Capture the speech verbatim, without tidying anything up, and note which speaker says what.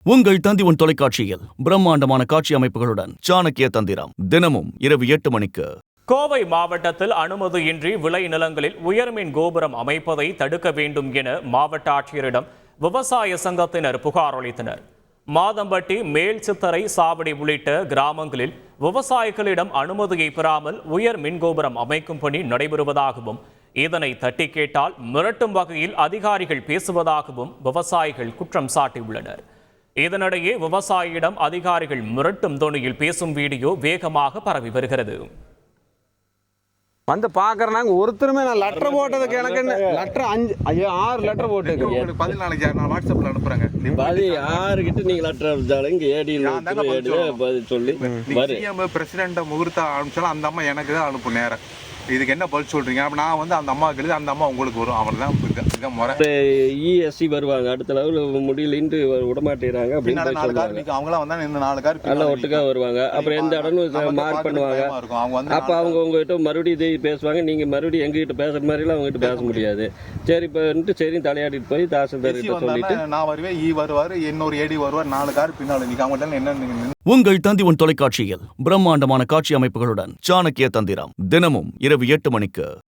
Speaker 1: உங்கள் தந்திவன் தொலைக்காட்சியில் பிரம்மாண்டமான காட்சி அமைப்புகளுடன் சாணக்கிய தந்திரம் தினமும் இரவு எட்டு மணிக்கு.
Speaker 2: கோவை மாவட்டத்தில் அனுமதியின்றி விளை நிலங்களில் உயர்மின் கோபுரம் அமைப்பதை தடுக்க வேண்டும் என மாவட்ட ஆட்சியரிடம் விவசாய சங்கத்தினர் புகார் அளித்தனர். மாதம்பட்டி, மேல் சித்தரை, சாவடி உள்ளிட்ட கிராமங்களில் விவசாயிகளிடம் அனுமதியை பெறாமல் உயர் மின்கோபுரம் அமைக்கும் பணி நடைபெறுவதாகவும், இதனை தட்டி கேட்டால் மிரட்டும் வகையில் அதிகாரிகள் பேசுவதாகவும் விவசாயிகள் குற்றம் சாட்டியுள்ளனர். இதனிடையே விவசாயியிடம் அதிகாரிகள் மிரட்டும் தொனியில் பேசும் வீடியோ வேகமாக பரவி வருகிறது.
Speaker 3: வந்து பாக்குறாங்க ஒருத்தருமே நான் லெட்டர் போட்டதுக்கு எனக்கு லெட்டர் அஞ்சு ஐயோ ஆறு லெட்டர் போட்டு
Speaker 4: பதில் நாளைக்கு நான் வாட்ஸ்அப்ல அனுப்புறேங்க.
Speaker 5: பாதி ஆறு கிட்ட நீங்க லெட்டர் அனுப்பிச்சாலும் இங்க ஏடியில் பதில் சொல்லி
Speaker 4: பிரசிடென்ட் முகூர்த்தம் அனுப்பிச்சாலும் அந்த அம்மா எனக்கு தான் அனுப்பும் நேரம். இதுக்கு என்ன பதில் சொல்றீங்க? அப்ப நான் வந்து அந்த அம்மாவுக்கு எழுதி அந்த அம்மா உங்களுக்கு வரும். அவள் தான் முறை.
Speaker 5: இஎஸ்சி வருவாங்க, அடுத்த லெவல் முடியலன்ட்டு விடமாட்டேறாங்க அப்படின்னு சொல்லுவாங்க.
Speaker 4: அவங்களாம் வந்தா இந்த நாலு கார்
Speaker 5: நல்லா ஒட்டுக்கா வருவாங்க. அப்புறம் எந்த இடமும் மார்க் பண்ணுவாங்க. அப்ப அவங்க உங்ககிட்ட மறுபடியும் இதை பேசுவாங்க. நீங்க மறுபடியும் எங்ககிட்ட பேசுற மாதிரிலாம் அவங்க கிட்ட பேச முடியாது. சரி இப்ப சரி தலையாடிட்டு போய் தாசில்தார் கிட்ட சொல்லிட்டு
Speaker 4: நான் வருவேன், ஈ வருவாரு, இன்னொரு ஏடி வருவார், நாலு கார் பின்னால நீங்க அவங்கள்ட்ட என்ன.
Speaker 1: உங்கள் தந்திவன் தொலைக்காட்சியில் பிரம்மாண்டமான காட்சி அமைப்புகளுடன் சாணக்கிய தந்திரம் தினமும் இரவு எட்டு மணிக்கு.